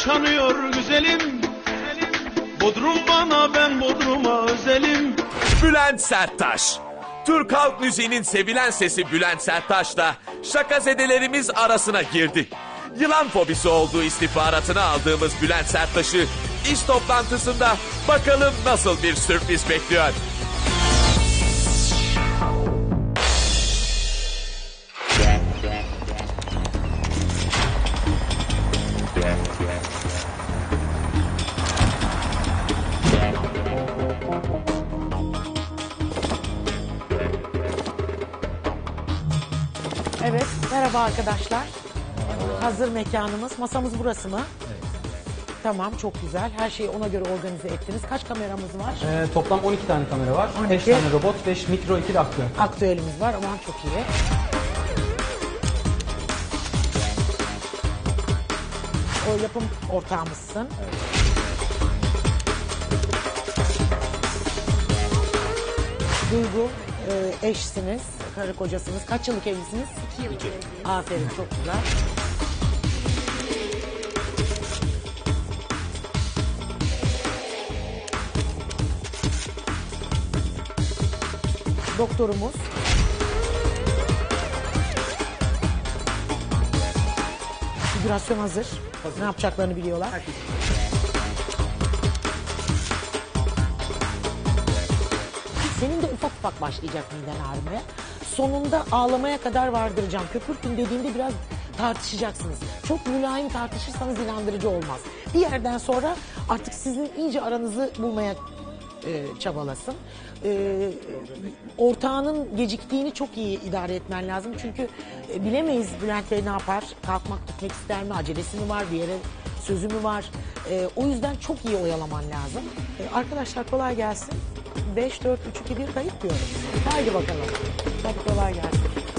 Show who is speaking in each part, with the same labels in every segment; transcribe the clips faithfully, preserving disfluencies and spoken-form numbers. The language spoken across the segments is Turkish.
Speaker 1: yaşanıyor güzelim. Bodrum bana, ben Bodrum'a özelim.
Speaker 2: Bülent Serttaş. Türk halk müziğinin sevilen sesi Bülent Serttaş'la şakazedelerimiz arasına girdi. Yılan fobisi olduğu istihbaratını aldığımız Bülent Serttaş'ı iş toplantısında bakalım nasıl bir sürpriz bekliyor.
Speaker 3: Evet, merhaba arkadaşlar. Hazır mekanımız. Masamız burası mı? Evet. Tamam, çok güzel. Her şeyi ona göre organize ettiniz. Kaç kameramız var?
Speaker 4: Ee, toplam on iki tane kamera var.
Speaker 3: on iki.
Speaker 4: beş tane robot, beş mikro, iki de aktüel.
Speaker 3: Aktüelimiz var. Aman çok iyi. O yapım ortağımızsın. Evet. Duygu, e, eşsiniz, karı kocasınız. Kaç yıllık evlisiniz? İki yıllık evliyim. Aferin, çok güzel. Doktorumuz. Figürasyon hazır. hazır. Ne yapacaklarını biliyorlar. Herkes. Senin de ufak ufak başlayacak miden ağrımaya. Sonunda ağlamaya kadar vardıracağım. Köpürtün dediğinde biraz tartışacaksınız. Çok mülayim tartışırsanız inandırıcı olmaz. Bir yerden sonra artık sizin iyice aranızı bulmaya e, çabalasın. E, ortağının geciktiğini çok iyi idare etmen lazım. Çünkü e, bilemeyiz Bülent Bey ne yapar? Kalkmak gitmek ister mi? Acelesi mi var? Bir yere sözü mü var? E, o yüzden çok iyi oyalaman lazım. E, arkadaşlar kolay gelsin. beş, dört, üç, iki, bir kayıt diyorum. Haydi bakalım. Hadi kolay gelsin.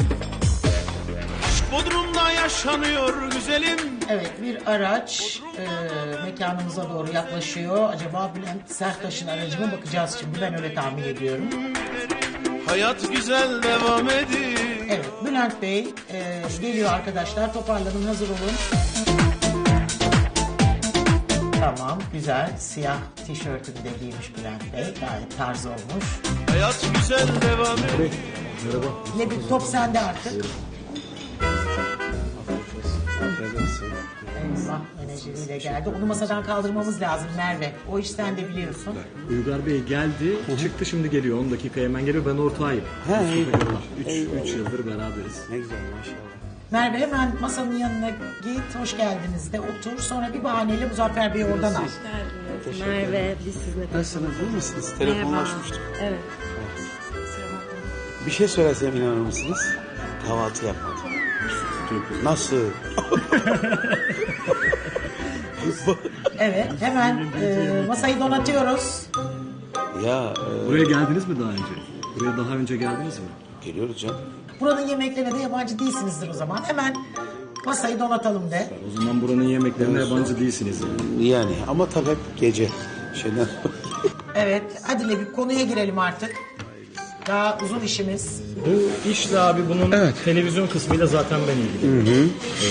Speaker 1: Bodrum'da yaşanıyor güzelim.
Speaker 3: Evet, bir araç e, mekanımıza doğru yaklaşıyor. Acaba Bülent Serttaş'ın aracı mı, bakacağız şimdi. Ben öyle tahmin ediyorum.
Speaker 1: Hayat güzel devam ediyor.
Speaker 3: Evet, Bülent Bey e, geliyor arkadaşlar. Toparlanın, hazır olun. Tamam, güzel. Siyah tişörtünü de giymiş Bülent Bey. Gayet tarz olmuş.
Speaker 1: Hayat güzel devam ediyor.
Speaker 4: Merhaba.
Speaker 3: Ne bir top sende artık. Eyvah, menajeriyle geldi. Onu masadan kaldırmamız lazım Merve. O iş sen de biliyorsun.
Speaker 5: Uygar Bey geldi, çıktı şimdi geliyor. on dakika hemen geliyor. Ben ortağıyım. üç yıldır beraberiz.
Speaker 6: Ne güzel maşallah.
Speaker 3: Merve hemen masanın yanına git, hoş geldiniz de otur. Sonra bir bahaneyle Muzaffer Bey'i oradan al.
Speaker 7: Merve, biz sizinle
Speaker 6: Nasılsınız, iyi misiniz? Telefonlaşmıştık.
Speaker 7: Evet.
Speaker 6: Bir şey söylesem inanır mısınız? Kahvaltı yapmadım. Nasıl?
Speaker 3: Evet, hemen e, masayı donatıyoruz.
Speaker 6: Ya e,
Speaker 5: Buraya geldiniz mi daha önce? Buraya daha önce geldiniz mi?
Speaker 6: geliyoruz canım.
Speaker 3: Buranın yemeklerine de yabancı değilsinizdir o zaman. Hemen masayı donatalım de.
Speaker 5: O zaman buranın yemeklerine yabancı değilsiniz yani.
Speaker 6: Yani ama tabii hep gece. Şeyden...
Speaker 3: Evet, hadi bir konuya girelim artık. Daha uzun işimiz.
Speaker 5: Bu işle abi bunun televizyon kısmıyla zaten ben ilgiliyim. Hı hı.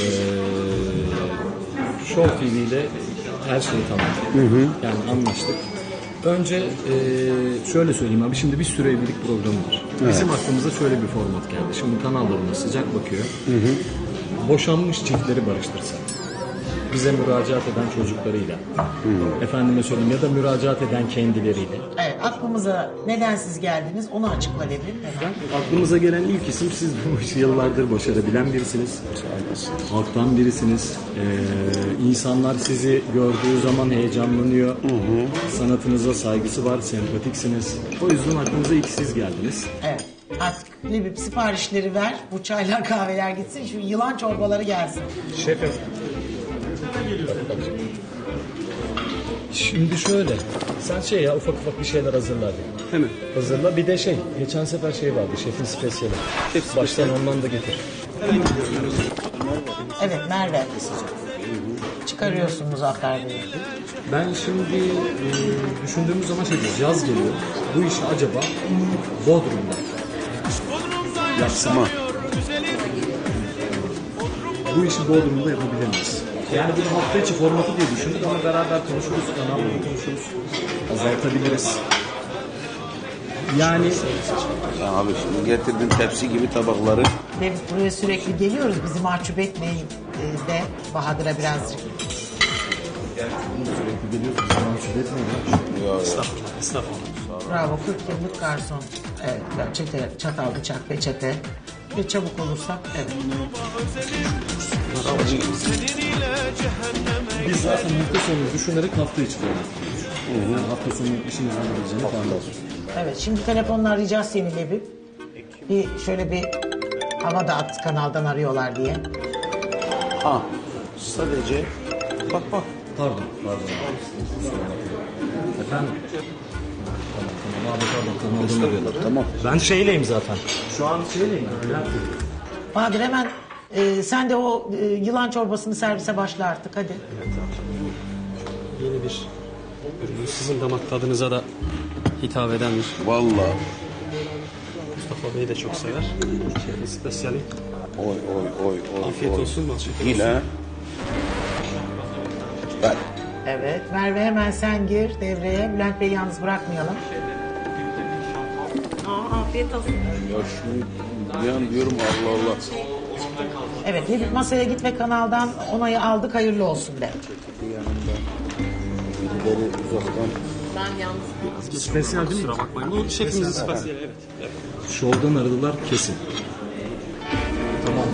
Speaker 5: Ee, Show T V ile her şeyi tamam. Hı hı. Yani anlaştık. Önce e, şöyle söyleyeyim abi, şimdi bir süre evlilik programı var. Evet. Bizim aklımıza şöyle bir format geldi. Şimdi kanallarına sıcak bakıyor. Hı hı. Boşanmış çiftleri barıştırsak. Bize müracaat eden çocuklarıyla. Hı. Efendime söyleyeyim, ya da müracaat eden kendileriyle.
Speaker 3: Evet, aklımıza neden siz geldiniz onu açıkla dedim. Hemen.
Speaker 5: Aklımıza gelen ilk isim, siz bu işi yıllardır başarabilen birisiniz. Halktan birisiniz. Ee, insanlar sizi gördüğü zaman heyecanlanıyor. Hı hı. Sanatınıza saygısı var, sempatiksiniz. O yüzden aklımıza ilk siz geldiniz.
Speaker 3: Evet. Artık Lebip siparişleri ver. Bu çaylar kahveler gitsin. Şu yılan çorbaları gelsin.
Speaker 5: Şefim. Şimdi şöyle. Sen şey ya, ufak ufak bir şeyler hazırla hadi.
Speaker 6: Hemen.
Speaker 5: Hazırla. Bir de şey, geçen sefer şey vardı, şefin spesiyeli.
Speaker 6: Şef
Speaker 5: Baştan ondan da getir.
Speaker 3: Evet Merve. Çıkarıyorsun Muzaffer Bey'i.
Speaker 5: Ben şimdi e, düşündüğümüz zaman şey diyoruz, yaz geliyor. Bu işi acaba Bodrum'da yapsam.
Speaker 1: güzelim.
Speaker 5: Bu işi Bodrum'da yapabilir miyiz? Yani bunu hafta içi formatı diye düşündük ama beraber konuşuruz, kanalda konuşuruz. Azaltabiliriz. Yani
Speaker 6: Ya abi şimdi getirdin tepsi gibi tabakları.
Speaker 3: Ve biz buraya sürekli geliyoruz. Bizi mahcup etmeyin e, de Bahadır'a birazcık.
Speaker 5: sürekli geliyorsunuz, zaman şiddet etmeyin.
Speaker 6: Ya, ya.
Speaker 3: Bravo, kırk yıllık garson. Evet, çete, çatal, bıçak, peçete. Ve çabuk olursak, evet.
Speaker 1: Seninle cehenneme
Speaker 5: Biz zaten hafta sonu düşünerek hafta içi format kuruyoruz. Yani hafta sonu işimizden olabileceğini tahmin ediyoruz.
Speaker 3: Evet, şimdi telefonla arayacağız seni Lebip. Bir şöyle bir hava da at, kanaldan arıyorlar diye.
Speaker 6: Ha, sadece bak bak.
Speaker 5: Pardon, pardon. Efendim? Tamam, tamam. Abi pardon, kanaldan arıyorlar.
Speaker 6: Tamam.
Speaker 5: Ben şeyleyim zaten. Şu an şeyleyim. Bülent Bey.
Speaker 3: Bahadır hemen e, sen de o e, yılan çorbasını servise başla artık, hadi.
Speaker 4: Yeni bir ürün. Sizin damak tadınıza da hitap eden bir.
Speaker 6: Vallahi.
Speaker 4: Mustafa Bey de çok sever. Şey, spesiyali.
Speaker 6: Oy oy oy oy.
Speaker 4: Afiyet
Speaker 6: oy.
Speaker 4: olsun, bal şeker
Speaker 6: Yine.
Speaker 4: olsun.
Speaker 6: Ver.
Speaker 3: Evet, Merve hemen sen gir devreye. Bülent Bey'i yalnız bırakmayalım.
Speaker 7: Aa, afiyet olsun.
Speaker 6: Ya şunu bir an diyorum Allah Allah.
Speaker 3: Evet, Lebip masaya git ve kanaldan onayı aldık, hayırlı olsun de.
Speaker 6: Birileri uzaktan.
Speaker 7: Ben yalnız.
Speaker 5: Spesiyel değil mi?
Speaker 4: Kusura bakmayın. Bu şefimizin spesiyali, evet. evet.
Speaker 5: Şovdan aradılar kesin. Tamam.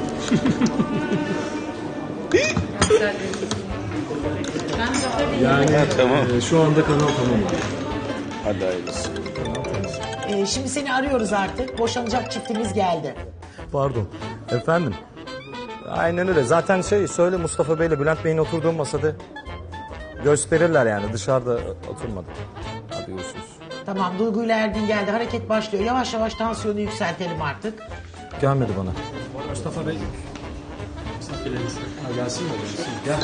Speaker 5: Yani
Speaker 6: Tamam.
Speaker 5: e, şu anda kanal tamam.
Speaker 6: Hadi hayırlısı.
Speaker 3: Ee, şimdi seni arıyoruz artık. Boşanacak çiftimiz geldi.
Speaker 8: Pardon. Efendim? Aynen öyle. Zaten şey söyle Mustafa Bey'le Bülent Bey'in oturduğu masada gösterirler yani. Dışarıda oturmadı. Hadi görüşürüz.
Speaker 3: Tamam, Duygu ile Erdin geldi. Hareket başlıyor. Yavaş yavaş tansiyonu yükseltelim artık.
Speaker 8: Gelmedi bana.
Speaker 4: Mustafa Bey. Misafirleriniz.
Speaker 5: Ha, gelsin mi? Gel.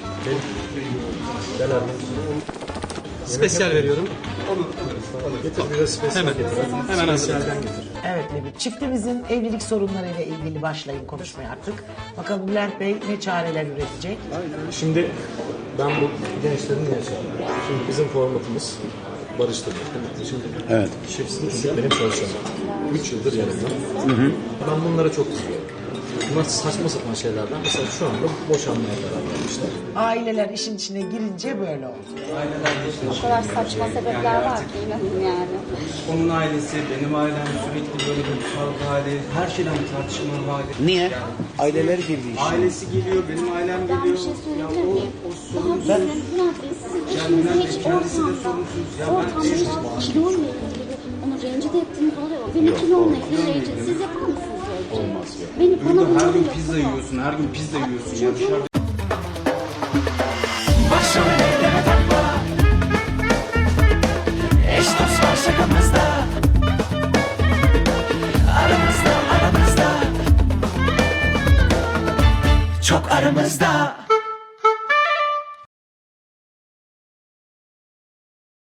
Speaker 8: Gel abi.
Speaker 4: Spesiyal veriyorum.
Speaker 5: Getir bir de spesiyel
Speaker 4: Hemen.
Speaker 5: getir.
Speaker 4: Hemen hazır.
Speaker 5: Spesiyelden getir.
Speaker 3: Evet Lebip, çiftimizin evlilik sorunlarıyla ilgili başlayın konuşmaya artık. Bakalım Bülent Bey ne çareler üretecek?
Speaker 5: Şimdi ben bu gençlerin niye çağırıyorum? Şimdi bizim formatımız barıştırmak. Şimdi
Speaker 6: Evet.
Speaker 5: şefsiniz benim çalışanım. Üç yıldır yanımda. Ben bunlara çok kızıyorum. Bunlar saçma sapan şeylerden. Mesela şu anda boşanmaya karar vermişler.
Speaker 3: Aileler işin içine girince böyle oldu.
Speaker 9: O kadar saçma sebepler var ki inanın yani.
Speaker 10: Onun ailesi, benim ailem sürekli böyle bir kavga hali, her şeyden bir tartışma hali.
Speaker 6: Niye? Aileler girdi işe.
Speaker 10: Ailesi geliyor, benim ailem
Speaker 9: Ben
Speaker 10: geliyor.
Speaker 9: bir şey
Speaker 10: Ya
Speaker 9: söyleyebilir
Speaker 10: o,
Speaker 9: miyim?
Speaker 10: o
Speaker 9: Daha
Speaker 10: sorunsuz.
Speaker 9: Bülent Bey sizin
Speaker 10: Yani Bülent Bey
Speaker 9: hiç
Speaker 10: kendisi de
Speaker 9: ortamda,
Speaker 10: sorunsuz. Ya ben
Speaker 9: ortamda kiloyla ilgili onu rencide ettiğini falan yok. Beni kilomla ilgili rencide. Siz yapar mısınız öyle bir şey? Olmaz ya. Beni bana
Speaker 10: burada her
Speaker 9: bunları
Speaker 10: gün
Speaker 9: yapın.
Speaker 10: pizza yiyorsun, her gün pizza yiyorsun. Ya dışarıda
Speaker 11: Eş dost var şakamızda, aramızda aramızda, çok aramızda.